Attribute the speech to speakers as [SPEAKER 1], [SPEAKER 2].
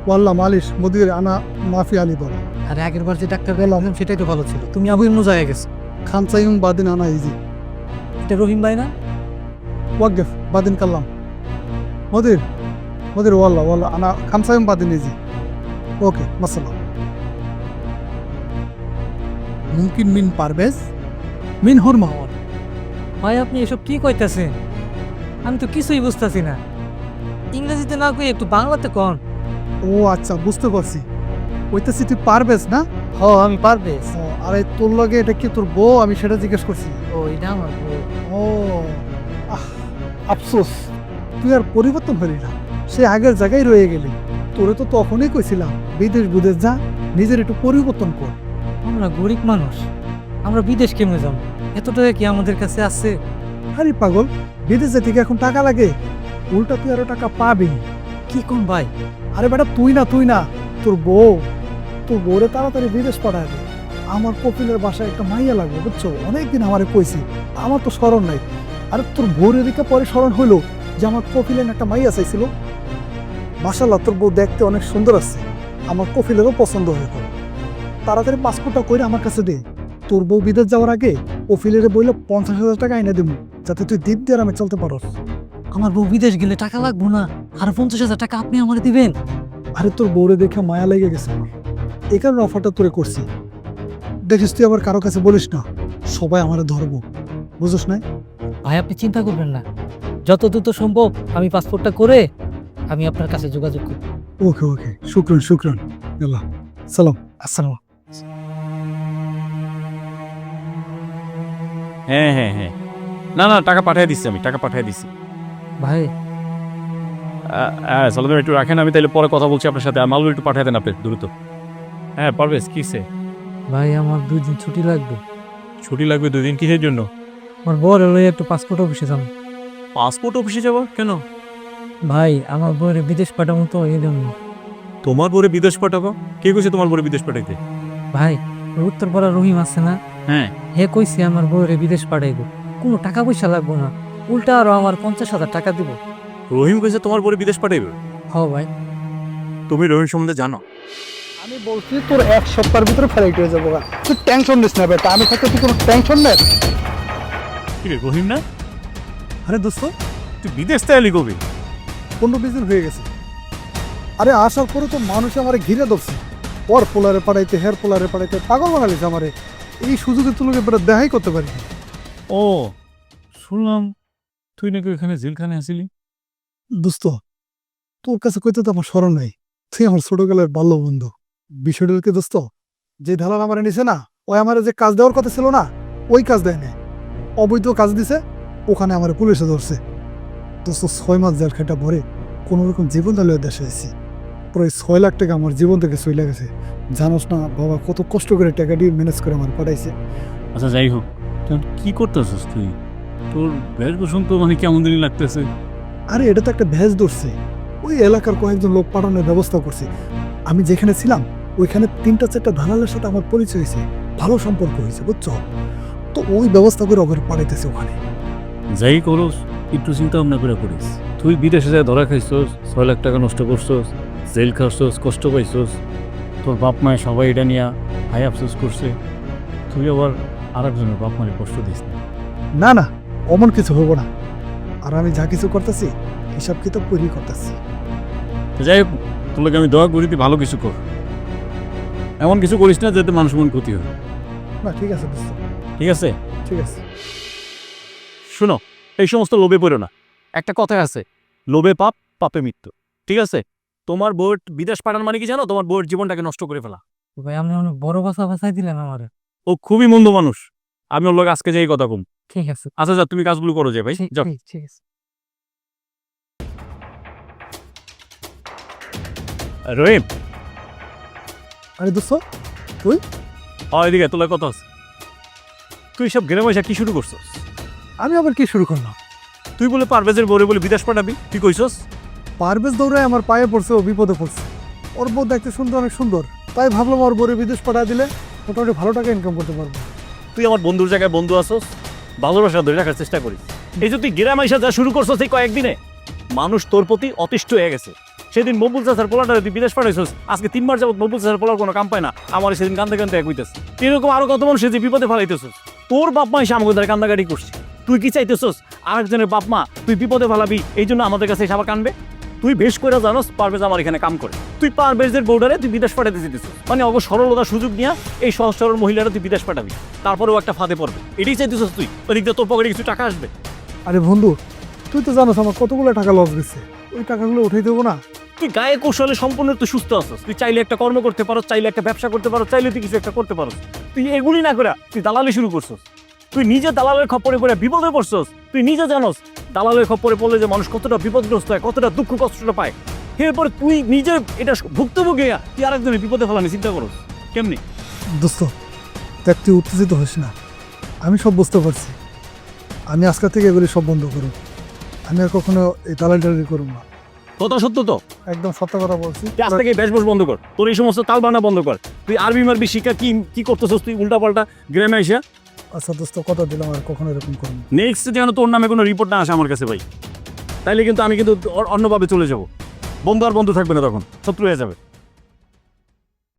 [SPEAKER 1] ওয়াল্লাহ মালিশ মুদির আনা মাফি আলী বলে
[SPEAKER 2] আর আগের বার যে ডাক্তার গেলাম সেটাই তো ভালো ছিল, তুমি আবু অন্য জায়গায় গেছো।
[SPEAKER 1] খানসাইম বাদিন আনা ইজি
[SPEAKER 2] এটা রহিম ভাই না?
[SPEAKER 1] ওয়াকফ বাদিন কাল্লাম মুদির মুদির ওয়াল্লাহ ওয়াল্লাহ আনা খানসাইম বাদিন ইজি ওকে মাসাল্লাহ মুমকিন মিন পারভেজ মিন হুর মাহমুদ।
[SPEAKER 2] ভাই আপনি এসব কি কইতাছেন? আমি তো কিছুই বুঝতেছি না। ইংরেজিতে না কই একটু বাংলাতে কন।
[SPEAKER 1] ও আচ্ছা বুঝতে পারছি, ওইটাছি তুই পারভেজ না?
[SPEAKER 2] হ আমি পারবেশ।
[SPEAKER 1] ও, আরে তোর লগে এটা কি তোর বউ? আমি সেটা জিজ্ঞেস করছি।
[SPEAKER 2] ও এটা আমার বউ।
[SPEAKER 1] ও আহ, আফসোস তুই আর পরিবর্তন হলি না, সে আগের জায়গায় রয়ে গেলি। তোরে তো তখনই কইছিলাম বিদেশ বিদেশ যা, নিজের একটু পরিবর্তন কর।
[SPEAKER 2] আমরা গরিব মানুষ, আমরা বিদেশ কেমনে যাব? এত টাকা কি আমাদের কাছে আছে?
[SPEAKER 1] আরে পাগল, বিদেশে থেকে এখন টাকা লাগে, উল্টা তুই আরো টাকা পাবি।
[SPEAKER 2] কি কোন ভাই?
[SPEAKER 1] আরে বেটা তুই না তোর বউরে তাড়াতাড়ি বিদেশ পাঠায় দে। আমার কপিলের বাসায় একটা মাইয়া লাগবে বুঝছো, অনেকদিন আমারে কইছি, আমার তো স্মরণ নাই। আরে তোর বউর এদিকে পরে স্মরণ হইলো যে আমার কপিলের একটা মাইয়া চাইছিল। মাশাআল্লাহ তোর বউ দেখতে অনেক সুন্দর আছে, আমার কপিলেরও পছন্দ হয়ে গেল। তাড়াতাড়ি পাসপোর্টটা করে আমার কাছে দে। তোর বউ বিদেশ যাওয়ার আগে কপিলের বইলে 50,000 টাকা এনে দেবো, যাতে তুই দ্বীপ দিয়ে আমি চলতে পারস।
[SPEAKER 2] আমার বউ বিদেশ গেলে টাকা লাগবো না? আর 50,000 টাকা আপনি আমার দিবেন?
[SPEAKER 1] আরে তোর বউরে দেখে মায়া লেগে গেছে আমার, এই কারণে অফারটা তোরে করছি। দেখিস তুই আবার কারো কাছে বলিস না, সবাই আমারে ধরবো, বুঝোস না?
[SPEAKER 2] ভাই আপনি চিন্তা করবেন না, যত দ্রুত সম্ভব আমি পাসপোর্টটা করে আমি আপনার কাছে যোগাযোগ করব।
[SPEAKER 1] ওকে ওকে, শুক্রান আল্লাহ সালাম।
[SPEAKER 2] আসসালাম।
[SPEAKER 3] হ্যাঁ, না টাকা পাঠিয়ে দিচ্ছি, আমি টাকা পাঠিয়ে দিচ্ছি।
[SPEAKER 2] ভাই
[SPEAKER 3] হ্যাঁ সালাম একটু রাখেন, আমি তাহলে পরে কথা বলছি আপনার সাথে। আর মালগুলো একটু পাঠিয়ে দেন আপনি দ্রুত। হ্যাঁ পারবেশ, কিসে
[SPEAKER 2] ভাই আমার 2 দিন ছুটি লাগবে।
[SPEAKER 3] ছুটি লাগবে 2 দিন? কিসের জন্য?
[SPEAKER 2] আমার বউর লইয়া একটু পাসপোর্ট অফিসে যান।
[SPEAKER 3] পাসপোর্ট অফিসে যাবো কেন?
[SPEAKER 2] ভাই আমার বউয়ের বিদেশ পাঠাবো তো এই জন্য।
[SPEAKER 3] তোমার বরে বিদেশ পাঠাবো? কে কইছে তোমার বরে বিদেশ পাঠাইতে?
[SPEAKER 2] ভাই উত্তরপাড়া রহিম আছে না,
[SPEAKER 3] হ্যাঁ
[SPEAKER 2] হে কইছে আমার বউয়ের বিদেশ পাঠাইবো, কোনো টাকা পয়সা লাগবো না, উল্টা আরো আমার 50,000 টাকা দিব।
[SPEAKER 3] রহিম কইছে তোমার বরে বিদেশ পাঠাইবে?
[SPEAKER 2] হ ভাই।
[SPEAKER 3] তুমি রহিম সম্বন্ধে জানো?
[SPEAKER 1] আমি বলছি তোর 1 সপ্তাহের ভিতরে ফ্লাইট হয়ে যাবো, তুই টেনশন নিস না বেটা, আমি থাকতে তুই কোনো টেনশন নেই।
[SPEAKER 3] কি রে রহিম না?
[SPEAKER 1] আরে দোস্ত
[SPEAKER 3] তুই বিদেশ তাইলি কবি?
[SPEAKER 1] 15-20 দিন হয়ে গেছে। আরে আসার পরে তো মানুষ আমারে ঘিরে ধরছে, ওর পোলারে পাঠাইতে হের পোলারে পাঠাইতে পাগল বানালিস আমারে। এই সুযোগে তুই লোকে দেখাই করতে পারি।
[SPEAKER 3] ও শুনলাম তুই নাকি ওখানে জেলখানে আসিলি।
[SPEAKER 1] দোস্ত তোর কাছে কইতে তো আমার স্মরণ নাই, তুই আমার ছোটকালের বাল্য বন্ধু। বিষয়টা কি দোস্ত, যে ধালাল আমারে নিছে না, ওই আমারে যে কাজ দেওয়ার কথা ছিল না, ওই কাজ দেয় না, অবৈধ কাজ দিছে, ওখানে আমার পুলিশে ধরছে। দোস্ত 6 মাস জেল খাটা ভরে কোনো রকম জীবন দালিয়ে দেশে এসেছি, প্রায় 6 লাখ টাকা আমার জীবন থেকে চলে গেছে। জানোস না বাবা কত কষ্ট করে টাকা দিয়ে ম্যানেজ করে আমার পাঠাইছে।
[SPEAKER 3] আচ্ছা যাই হোক, তখন কি করতেছিস তুই? তোর বেশভূষণ তো মানে কেমন দিনই লাগতেছে।
[SPEAKER 1] আরে এটা তো একটা ভেজ ধরছে, ওই এলাকার কয়েকজন লোক পাঠানোর ব্যবস্থা করছে। আমি যেখানে ছিলাম ওইখানে 3-4টা দালালের সাথে আমার পরিচয় হয়েছে, ভালো সম্পর্ক হয়েছে বুঝছো, তো ওই ব্যবস্থা করে ওদের পাঠাইতেছে ওখানে।
[SPEAKER 3] যাই করস একটু চিন্তা ভাবনা করে করিস। তুই বিদেশে যায় ধরা খাইছস, 6 লাখ টাকা নষ্ট করছস, জেল খাচ্ছস, কষ্ট পাইছস, তোর বাপ মায়ে সবাই এটা নিয়ে হাই আফসোস করছে, তুই আবার আরেকজনের বাপ মায়ের কষ্ট দিস না।
[SPEAKER 1] না না, অমন কিছু হবো না, আর আমি যা কিছু করতেছি হিসাব কিতাব করেই করতেছি।
[SPEAKER 3] তো যাই হোক, তোকে আমি দোয়া করি তুই ভালো কিছু কর, এমন কিছু করিস না যাতে মানুষ মন ক্ষতি হয়।
[SPEAKER 1] না ঠিক আছে দোস্ত,
[SPEAKER 3] ঠিক আছে?
[SPEAKER 1] ঠিক আছে।
[SPEAKER 3] শুনো, এই সমস্ত লোভে পড়ো না। একটা কথা আছে, লোভে পাপ, পাপে মৃত্যু। ঠিক আছে? তোমার বউয়ের বিদেশ পাঠানো মানে কি জানো? তোমার বউয়ের জীবনটাকে নষ্ট করে ফেলা।
[SPEAKER 2] ভাই আপনি অনেক বড় কথা ভাষায় দিলেন আমারে।
[SPEAKER 3] ও খুবই মন্দ মানুষ, আমি ওর লোক আজকে যাই কথা কম।
[SPEAKER 2] ঠিক আছে।
[SPEAKER 3] আচ্ছা যা, তুমি কাজগুলো করো যে ভাই, যাও।
[SPEAKER 2] ঠিক আছে।
[SPEAKER 3] রহিম,
[SPEAKER 1] আরে দোস্ত
[SPEAKER 3] এদিকে তোলা কথা আছে। তুই সব ঘেরে পয়সা কি শুরু করছস?
[SPEAKER 1] আমি আবার কি শুরু করলাম?
[SPEAKER 3] তুই বলে পারভেজের বউরে বলে বিদেশ পাঠাবি, তুই কইছস?
[SPEAKER 1] পারভেজ দৌড়ায় আমার পায়ে পড়ছে, ও বিপদে পড়ছে। ওর বউ দেখতে শুনতে অনেক সুন্দর, তাই ভাবলাম ওর বউরে বিদেশ পাঠিয়ে দিলে মোটামুটি ভালো টাকা ইনকাম করতে পারবো।
[SPEAKER 3] তুই আমার বন্ধুর জায়গায় বন্ধু আসস, ভালোবাসা ধরে রাখার চেষ্টা করিস। এই যে তুই গেরাম আইসা যা শুরু করছস এই কয়েকদিনে, মানুষ তোর প্রতি অতিষ্ঠ হয়ে গেছে। সেদিন মকবুল চাচার পোলাটা তুই বিদেশ পাঠাইছস, আজকে 3 মাস যাবত মকবুল চাচার পোলার কোনো কাম পায় না, আমার সেদিন কান্দে কান্দে এক হইতেছে। এরকম আরো কত মানুষ যে বিপদে ফেলাইতেছস, তোর বাপ মা এসে আমাকে দ্বারা কান্দাকাটি করছে, তুই কি চাইতেছস আরেকজনের বাপ মা তুই বিপদে ফেলাবি এই জন্য আমাদের কাছে এসে আবার কানবে? তুই বেশ করে জানোস পারভেজ আমার এখানে কাম করে, তুই পারভেজের বর্ডারে তুই বিদেশ পাঠাতে যেতেছিস, মানে অগ সরলতার সুযোগ নিয়ে এই সহজ সরল মহিলারা তুই বিদেশ পাঠাবি, তারপরেও একটা ফাঁদে পড়বে, এটাই চাইতেছিস তুই? ওদিক দিয়ে তোর পকেটে কিছু টাকা আসবে?
[SPEAKER 1] আরে বন্ধু, তুই তো জানোস আমার কতগুলো টাকা লস গেছে, ওই টাকাগুলো উঠাই দেবো না?
[SPEAKER 3] তুই গায়ে কৌশলে সম্পূর্ণ তুই সুস্থ আছিস, তুই চাইলে একটা কর্ম করতে পারো, চাইলে একটা ব্যবসা করতে পারো, চাইলে তুই কিছু একটা করতে পারো, তুই এগুলি না করে তুই দালালি শুরু করছিস, তুই নিজে দালালের খপ্পরে পড়ে বিপদে পড়ছিস, তুই নিজে জানোস দালালের খপ্পরে পড়লে যে মানুষ কতটা বিপদগ্রস্ত হয়, কতটা দুঃখ কষ্টটা পায়, এরপরে তুই নিজে এটা ভুক্তভোগী হইয়া তুই আরেকজনের বিপদে ফেলানি চিন্তা করস কেমনি?
[SPEAKER 1] দোস্ত দেখ, তুই উত্তেজিত হইস না, আমি সব বুঝতে পারছি। আমি আজকে থেকে এগুলি সব বন্ধ করব, আমি আর কখনো এই দালালি করব না।
[SPEAKER 3] কথা সত্য তো?
[SPEAKER 1] একদম সত্য কথা বলছি।
[SPEAKER 3] তুই আজ থেকে বেশবস বন্ধ কর, তোর এই সমস্ত তাল বানা বন্ধ কর, তুই আরবি মারবি শিক্ষা কি কি করতেছস তুই উল্টা পাল্টা গ্রামে এসে?
[SPEAKER 1] আচ্ছা দোস্ত, কথা দিলাম আর কখনো এরকম করব না।
[SPEAKER 3] নেক্সট যেন তোর নামে কোনো রিপোর্ট না আসে আমার কাছে ভাই, তাইলে কিন্তু আমি কিন্তু অন্যভাবে চলে যাব, বন্ধু আর বন্ধু থাকবে না, তখন শত্রু হয়ে যাবে।